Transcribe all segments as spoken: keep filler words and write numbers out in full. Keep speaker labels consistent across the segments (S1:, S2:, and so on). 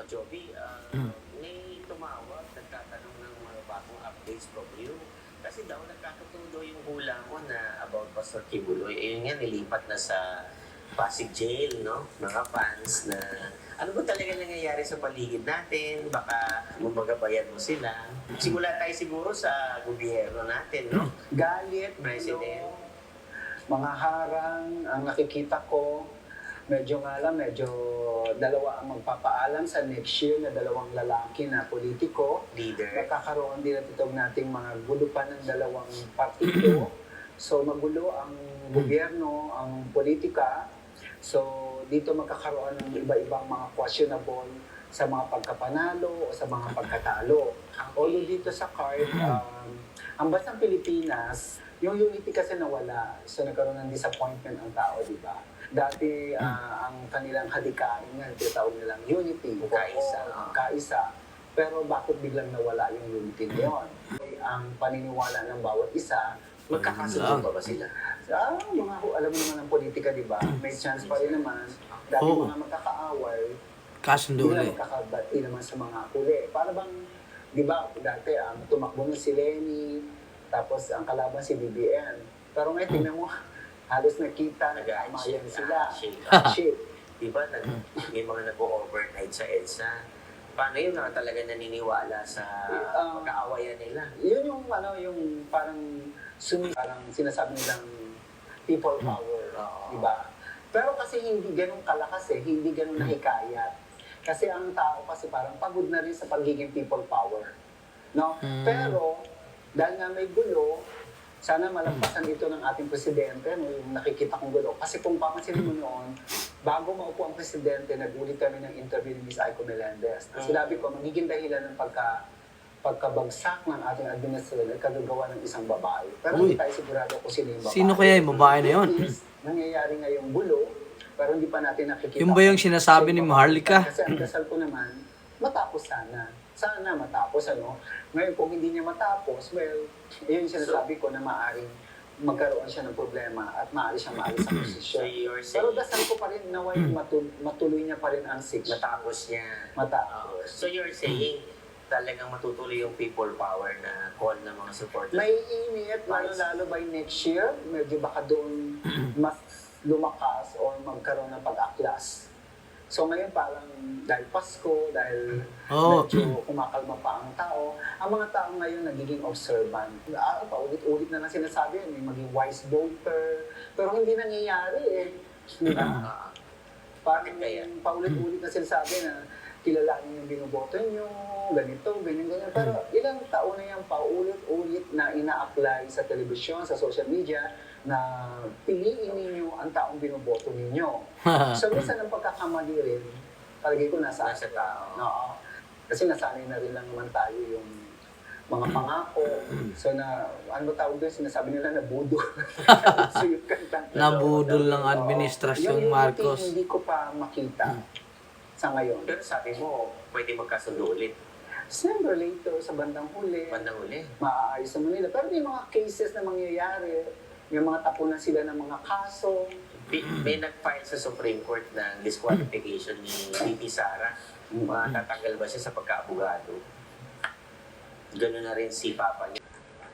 S1: O Joby, ah, may tumawag, nagtatanong ng mga bagong updates from you. Kasi daw nagkakatudo yung hula mo na about Pastor Kibuloy. Eh, yun nga, nilipat na sa Pasig Jail, no? Mga fans na ano ba talaga nangyayari sa paligid natin? Baka mamagabayan mo sila. Simula tayo siguro sa gobyerno natin, no?
S2: Galit,
S1: President.
S2: gulo, mga harang, ang nakikita ko, medyo nga lang, medyo dalawa ang magpapaalam sa next year na dalawang lalaki na politiko.
S1: Leader.
S2: Nakakaroon din at itong nating mga gulo pa ng dalawang partido. So magulo ang gobyerno, ang politika. So dito magkakaroon ng iba-ibang mga questionable sa mga pagkapanalo o sa mga pagkatalo. Although dito sa card, um, ang bansang Pilipinas, yung unity kasi nawala. So nagkaroon ng disappointment ang tao, di ba? Dati ah, ang kanilang hadikain nga, tinatawag nilang unity.
S1: Kaisa.
S2: Oo, kaisa. Pero bakit biglang nawala yung unity na yun? Ang paniniwala ng bawat isa,
S1: Magkakasundo pa ba sila?
S2: ah, mga, alam mo naman ang politika, di ba? May chance pa rin naman. Dati
S3: Oo.
S2: mga magkakaaway,
S3: Kasundo
S2: hindi na
S3: ulit.
S2: magkakabati naman sa mga huli. Para bang, di ba, dati ang tumakbo na si Lenny, tapos ang kalaban si B B N. Pero ngayon, tingnan mo, halos nakita, nag-aamayan sila.
S1: Shake.
S2: Shit.
S1: Di ba, nag, may mga nag-overnight sa EDSA. Paano yun na talaga naniniwala sa
S2: Ah.
S1: pagkaawayan nila?
S2: Yun yung, ano, yung parang, sumi, parang sinasabi nilang people power.
S1: Oo.
S2: Di ba? Pero kasi hindi ganun kalakas eh, hindi ganun nahikayat. Kasi ang tao kasi parang pagod na rin sa pagiging people power. No?
S3: Mm.
S2: Pero, dahil nga may gulo, sana malampasan ito ng ating presidente, no, yung nakikita kong gulo. Kasi kung papansin mo noon, bago maupo ang presidente, nagulit kami ng interview ni Miz Aiko Melendez.
S1: Mm.
S2: Sinabi ko, magiging dahilan ng pagka pagkabagsak ng ating administrasyon ay kagagawa ng isang babae. Pero
S3: Uy.
S2: hindi tayo sigurado kung sino yung babae.
S3: Sino kaya yung babae na yun?
S2: Is, nangyayari ngayong gulo, pero hindi pa natin nakikita.
S3: Yung ba yung sinasabi ni Maharlika?
S2: Kasi ang dasal ko naman, matapos sana. Sana matapos, ano? Ngayon, kung hindi niya matapos, well, yun yung sinasabi ko na maaaring magkaroon siya ng problema at maaari siya maalis sa
S1: So
S2: posisyon.
S1: you're
S2: Pero
S1: saying
S2: dasal ko pa rin naway matul- matuloy niya pa rin ang six.
S1: matapos niya. Oo.
S2: Matapos.
S1: So you're saying talagang matutuloy yung people power na call ng mga supporters.
S2: May init, lalo-lalo by next year, medyo baka doon mas lumakas or magkaroon ng pag-aklas. So ngayon parang dahil Pasko, dahil
S3: Oo.
S2: medyo kumakalma pa ang tao, ang mga tao ngayon nagiging observant. Ah, paulit-ulit na lang sinasabi yan, may maging wise voter, pero hindi nangyayari eh. Di ba?
S1: Ah,
S2: Parang
S1: Bakit kaya?
S2: paulit-ulit na sinasabi na kilalanin yung binoboto nyo, ganito, ganyan, ganyan. Pero ilang taon na yung paulit-ulit na ina-apply sa telebisyon, sa social media, na piliin ninyo ang taong binoboto ninyo. So, minsan ang pagkakamali rin, palagay ko nasa
S1: Nasa tao.
S2: Oo. Kasi nasanay na rin lang naman tayo yung mga pangako. So na, ano ba tawag doon? Sinasabi nila na budo. So yung kanta.
S3: Nabudol ng
S2: Oo.
S3: administrasyong
S2: Yung unity,
S3: Marcos.
S2: Hindi ko pa makita sa ngayon.
S1: Pero sabi mo, pwede magkasundo ulit.
S2: Siyempre later, sa bandang huli,
S1: Bandang uli.
S2: maaayos naman nila. Pero may mga cases na mangyayari. May mga tapunan sila ng mga kaso.
S1: May, may nag-file sa Supreme Court ng disqualification ni V P Sara. Matatanggal ba siya sa pagkaabogado? Gano'n na rin si Papa niya.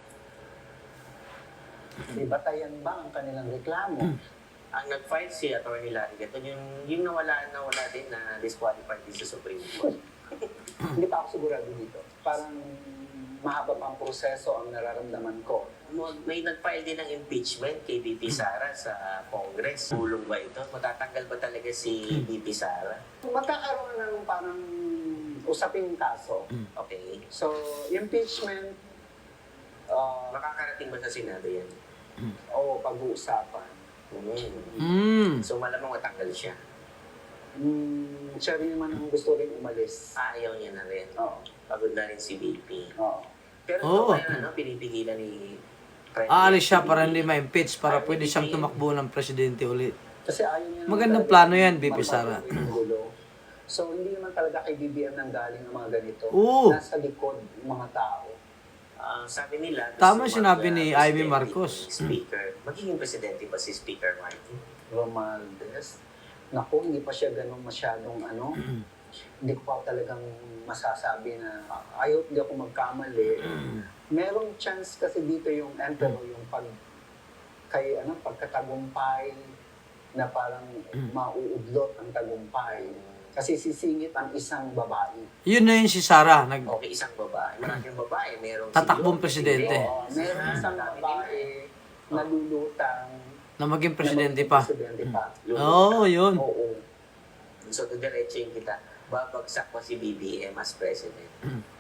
S2: May batayan ba ang kanilang reklamo?
S1: Ang nag-file si Atty. Larry Gaton, yung, yung nawala, nawala din na disqualified din sa Supreme Court.
S2: Hindi pa ako sigurado dito. Parang mahaba pa ang proseso ang nararamdaman ko.
S1: May nag-file din ng impeachment kay V P Sara sa Congress. Tulong ba ito? Matatanggal ba talaga si V P Sara?
S2: Magkakaroon ng parang usaping kaso.
S1: Okay.
S2: So, impeachment, uh,
S1: Makakarating ba sa Senado yan?
S2: o pag-uusapan.
S1: Mm.
S3: Mm.
S1: So malamang matanggal siya.
S2: Mm, siya rin naman ang gusto rin umalis.
S1: Ayaw niya na rin.
S2: Oo.
S1: Pagod na rin si V P.
S2: Oo.
S1: Pero
S3: Oo.
S1: ito ngayon, ano, pinipigilan ni President
S3: Aalis siya
S1: P D P.
S3: para hindi ma-impeach para pwede siyang tumakbo ng presidente ulit.
S2: Kasi ayaw niya naman
S3: Magandang
S2: talaga
S3: plano yan, V P
S2: magpapatuloy
S3: Sara.
S2: ng gulo. So, hindi naman talaga kay B B M nang galing ang mga ganito.
S3: Oo.
S2: Nasa likod ng mga tao.
S1: Ah, sabi nila, gusto
S3: Tama
S1: mag-
S3: sinabi ni
S1: ah,
S3: Amy
S1: presidente
S3: Marcos.
S1: ni Speaker. Magiging presidente ba si Speaker Martin?
S2: Romualdez. Naku, hindi pa siya ganun masyadong ano. hindi ko pa talagang masasabi na I hope hindi ako magkamali. Merong chance kasi dito yung emperor, yung pag kay ano pagkatagumpay na parang mauudlot ang tagumpay. Kasi sisingit ang isang babae.
S3: Yun na yun si Sarah. Nag,
S1: Okay, isang babae. Maraming babae. Merong
S3: Tatakbong
S1: si Lord,
S3: presidente.
S1: si Leo.
S2: Oo, merong isang babae na lulutang
S3: na maging presidente
S2: na maging
S3: pa.
S2: Presidente pa.
S3: Oo, oh, yun.
S2: Oo.
S1: So, diretso kita. Babagsak pa si B B M as president.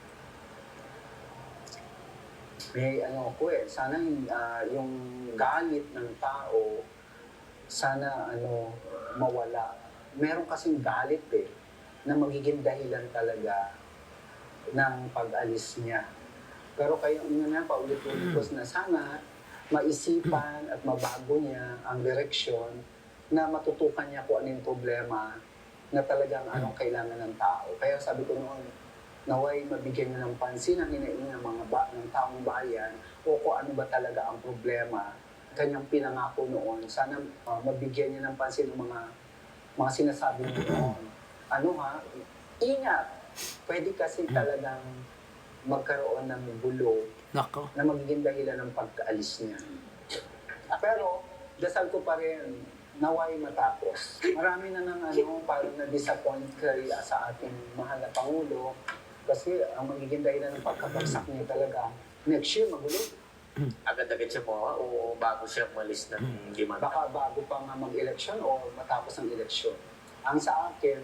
S2: May ano ko eh, sana yung, ah, yung galit ng tao, sana ano, mawala. Meron kasing galit eh, na magiging dahilan talaga ng pag-alis niya. Pero kayo yun na paulit-ulit ko na sana maisipan at mabago niya ang direksyon na matutukan niya kung ano yung problema na talagang anong kailangan ng tao. Kaya sabi ko noon, naway mabigyan niya ng pansin ang hinaing ng mga ba, ng taong bayan o kung ano ba talaga ang problema kanyang pinangako noon. Sana uh, mabigyan niya ng pansin ng mga mga sinasabi niya noon. Ano ha? Ingat! Pwede kasi talagang magkaroon ng gulo
S3: Nako.
S2: na magiging dahilan ng pagkaalis niya. Ah, pero, dasal ko pa rin, naway matapos. Marami na ng ano, parang na-disappoint kay ah, sa ating mahal na Pangulo kasi ang magiging dahilan ng pagkabagsak niya talaga, next year magulo.
S1: Agad-agad siya mo, o bago siya umalis ng limang
S2: Baka bago pa nga mag-eleksyon o matapos ang eleksyon. Ang sa akin,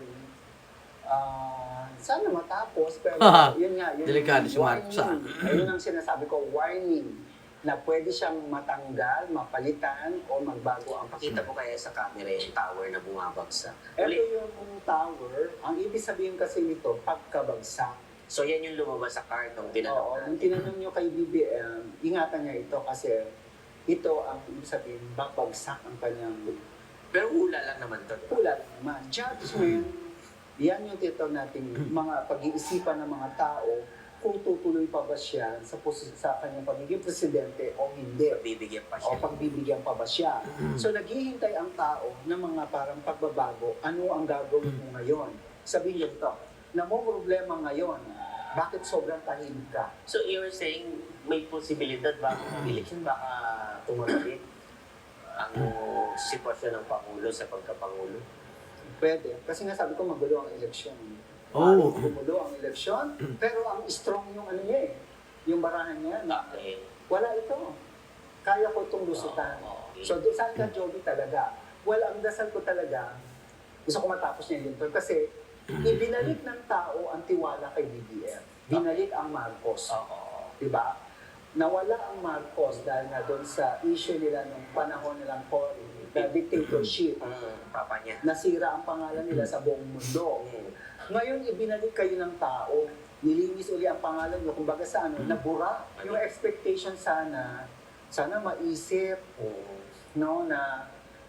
S2: ah, sana matapos, pero yun nga, yun
S3: Delikado si
S2: warning.
S3: Marcos, ah.
S2: Ayun ang sinasabi ko, warning, na pwede siyang matanggal, mapalitan, o magbago ang
S1: Pakita mo kaya sa camera yung tower na bumabagsak.
S2: Ito
S1: Ulit.
S2: yung tower, ang ibig sabihin kasi nito, pagkabagsak.
S1: So yan yung lumabas sa card nung
S2: Oo,
S1: tinanong
S2: nung
S1: natin.
S2: tinanong nyo kay B B M, ingatan niya ito kasi ito ang ibig sabihin, babagsak ang kanyang
S1: Pero hula lang naman to.
S2: pula naman. Judgment, yan yung tito natin, mga pag-iisipan ng mga tao, kung tutuloy pa ba siya sa, pos- sa kanyang pagiging presidente o hindi.
S1: Bibigyan pa
S2: O
S1: siya.
S2: pagbibigyan pa ba siya. So naghihintay ang tao ng mga parang pagbabago, ano ang gagawin mo ngayon? Sabihin nyo to, na mo problema ngayon, bakit sobrang tahimik ka?
S1: So you're saying may posibilidad bago ng election baka tumaglit ang sitwasyon ng Pangulo sa pagkapangulo?
S2: Pwede. Kasi nga sabi ko magulo ang eleksyon.
S3: Oh.
S2: Maaaring gumulo ang eleksyon, pero ang strong yung ano niya eh, yung barahan niya, na
S1: Okay.
S2: wala ito. Kaya ko itong lusutan.
S1: Oo, okay.
S2: So, doon saan ka, Joby, talaga? Well, ang dasal ko talaga, gusto ko matapos niya yun. Kasi, ibinalik ng tao ang tiwala kay B B M. Binalik ang Marcos.
S1: Oo.
S2: Diba? Nawala ang Marcos dahil nga doon sa issue nila nung panahon nilang Cory, the dictatorship.
S1: Mm, papa niya.
S2: Nasira ang pangalan nila sa buong mundo.
S1: Mm.
S2: Ngayon, ibinalik kayo ng tao. Nilinis uli ang pangalan nyo. Kumbaga sa ano, nabura. Yung expectation sana, sana maisip,
S1: Mm.
S2: no, na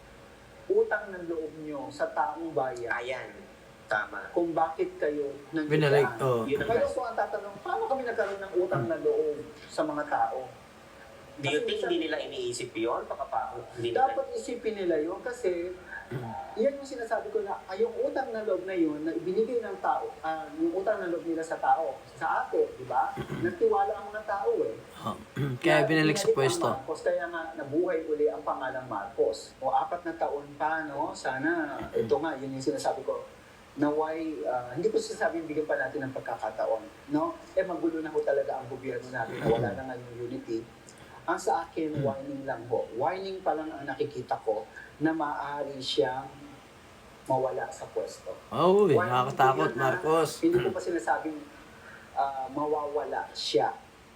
S2: utang ng loob nyo sa taong bayan
S1: Ayan. Tama.
S2: kung bakit kayo nandiyan.
S3: Binalik, oh.
S1: Yun ang
S2: Ngayon po ang tatanong, paano kami nagkaroon ng utang na loob sa mga tao?
S1: Do you think hindi nila iniisip yun? Baka pa hindi nila.
S2: Dapat isipin nila yun kasi yan yung sinasabi ko na ay, yung utang na loob na yun na ibinigay ng tao, ah, yung utang na loob nila sa tao, sa atin, di ba? Nagtiwala ang mga tao eh.
S3: Oh. Kaya
S2: Na
S3: binalik sa
S2: binalik ang
S3: pwesto.
S2: Marcos, kaya nga nabuhay uli ang pangalang Marcos. O apat na taon pa, no? Sana, ito nga, yun yung sinasabi ko, naway, ah, hindi ko sasabing bigyan pa natin ng pagkakataon, no? Eh, magulo na ho talaga ang gobyerno natin na wala na nga yung unity. Ang sa akin, warning lang ho. Warning pa lang ang nakikita ko na maaari siyang mawala sa pwesto.
S3: Oh,
S2: Warning
S3: nakakatakot,
S2: po yun, ha?
S3: Marcos.
S2: Hindi ko pa sinasabing ah, mawawala siya.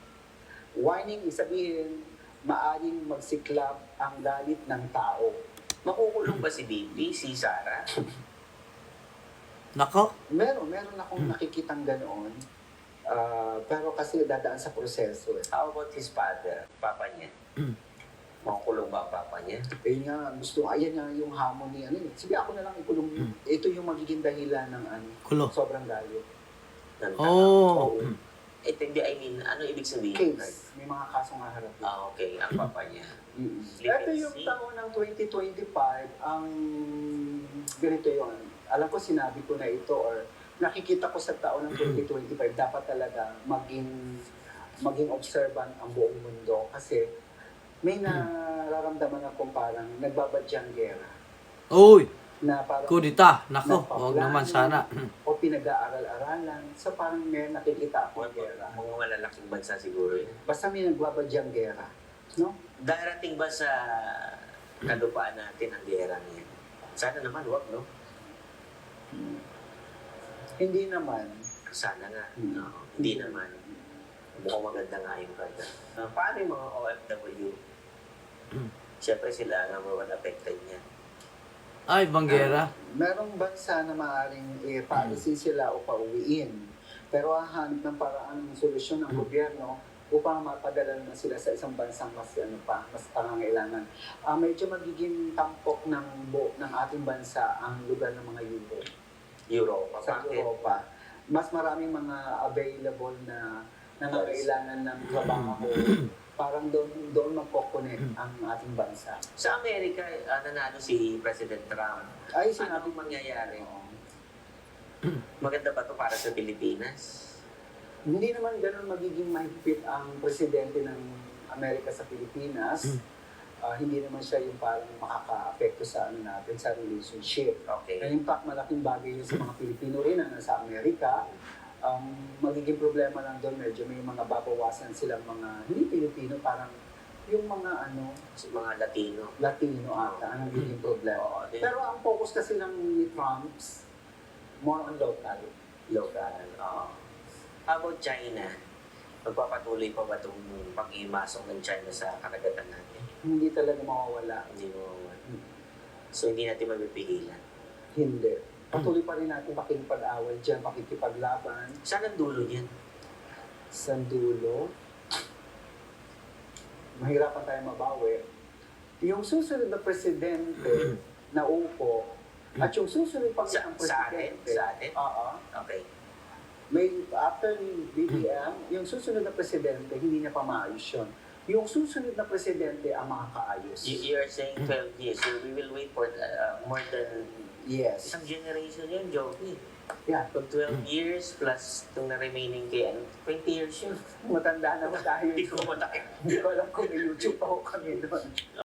S2: Warning, isabihin, maaring magsiklab ang galit ng tao.
S1: Makukulong ba si Bibi, si Sarah?
S3: Nako.
S2: Meron, meron akong nakikitang ganoon. Ah, pero kasi dadaan sa proseso eh.
S1: How about his father, papa niya? Makukulong ba ang papa niya?
S2: Eh nga, gusto, ayan nga yung hamon ni ano eh. Sige, ako na lang ikulong yun. Ito yung magiging dahilan ng ano,
S3: Kulo.
S2: sobrang galit.
S1: Ng
S3: Oh.
S2: Oo.
S1: Eh, hindi, I mean, ano ibig sabihin?
S2: Case, may mga kasong haharap.
S1: Ah, okay. Ang papa niya.
S2: Mm.
S1: Sleep
S2: Ito
S1: and
S2: yung
S1: see.
S2: taon ng twenty twenty-five, ang ganito yun. Alam ko sinabi ko na ito or nakikita ko sa taon ng twenty twenty-five, dapat talaga maging maging observant ang buong mundo kasi may nararamdaman akong parang nagbabadyang gera
S3: Uy,
S2: na parang
S3: kudita. Nako,
S2: napaplano
S3: wag naman sana.
S2: o pinag-aaral-aralan. So parang may nakikita akong
S1: Mga,
S2: gera.
S1: mga malalaking bansa siguro yun.
S2: Basta may nagbabadyang gera. No?
S1: Darating ba sa kalupaan natin ang gera niya? Sana naman, wag, no?
S2: Hindi naman.
S1: Sana nga.
S2: Hmm.
S1: No, hindi naman. Mukhang maganda nga yung kanya. Uh, paano yung mga O F W? Siyempre sila ang number one affected niya.
S3: Ay, banggera.
S2: Merong bansa na maaaring i-policy sila o pauwiin. Pero hahanap ng paraan ng solusyon ng gobyerno upang mapadala na sila sa isang bansang mas ano pa, mas pangangailangan. Ah, medyo magiging tampok ng buo ng ating bansa ang lugar ng mga Europe.
S1: Europa.
S2: Sa
S1: Bakit?
S2: Europa, mas maraming mga available na nangangailangan ng trabaho. Parang doon doon magkoconnect ang ating bansa.
S1: Sa Amerika, uh, nanalo si President Trump.
S2: Ay,
S1: Ano
S2: sinabi
S1: ang mangyayari?
S2: Oo.
S1: Maganda ba to para sa Pilipinas?
S2: Hindi naman ganun magiging mahigpit ang presidente ng Amerika sa Pilipinas. Ah, hindi naman siya yung parang makaka-apekto sa ano natin, sa relationship.
S1: Okay.
S2: And in fact, malaking bagay yun sa mga Pilipino rin na nasa Amerika. Ang magiging problema lang doon, medyo may mga babawasan silang mga, hindi Pilipino, parang yung mga ano,
S1: Sa mga Latino.
S2: Latino ata, ang magiging problema.
S1: Oo, din.
S2: Pero ang focus kasi lang ni Trump's more on local.
S1: Local. Oo. How about China? Magpapatuloy pa ba itong pag-imasok ng China sa karagatan natin?
S2: Hindi talaga mawawala.
S1: Hindi mo. So hindi natin mapipigilan.
S2: Hindi. Patuloy pa rin natin pakikipag-awal dyan, pakikipaglaban.
S1: Saan ang dulo niyan?
S2: Sa dulo, mahirapan tayo mabawi. Yung susunod na presidente na upo, at yung susunod pang
S1: Sa,
S2: isang
S1: sa atin?
S2: presidente,
S1: Sa atin?
S2: Oo.
S1: Okay.
S2: May, after ni B B M, yung susunod na presidente, hindi niya pa maayos yun. Yung susunod na presidente ang makakaayos.
S1: You, you're saying twelve years, so we will wait for uh, more than
S2: Yes.
S1: isang generation yun, Joby.
S2: Yeah.
S1: Pag twelve years plus itong na remaining kay ano, twenty years yun.
S2: Matanda na ba tayo?
S1: Hindi ko matake.
S2: Hindi ko alam kung may YouTube pa ako kami doon.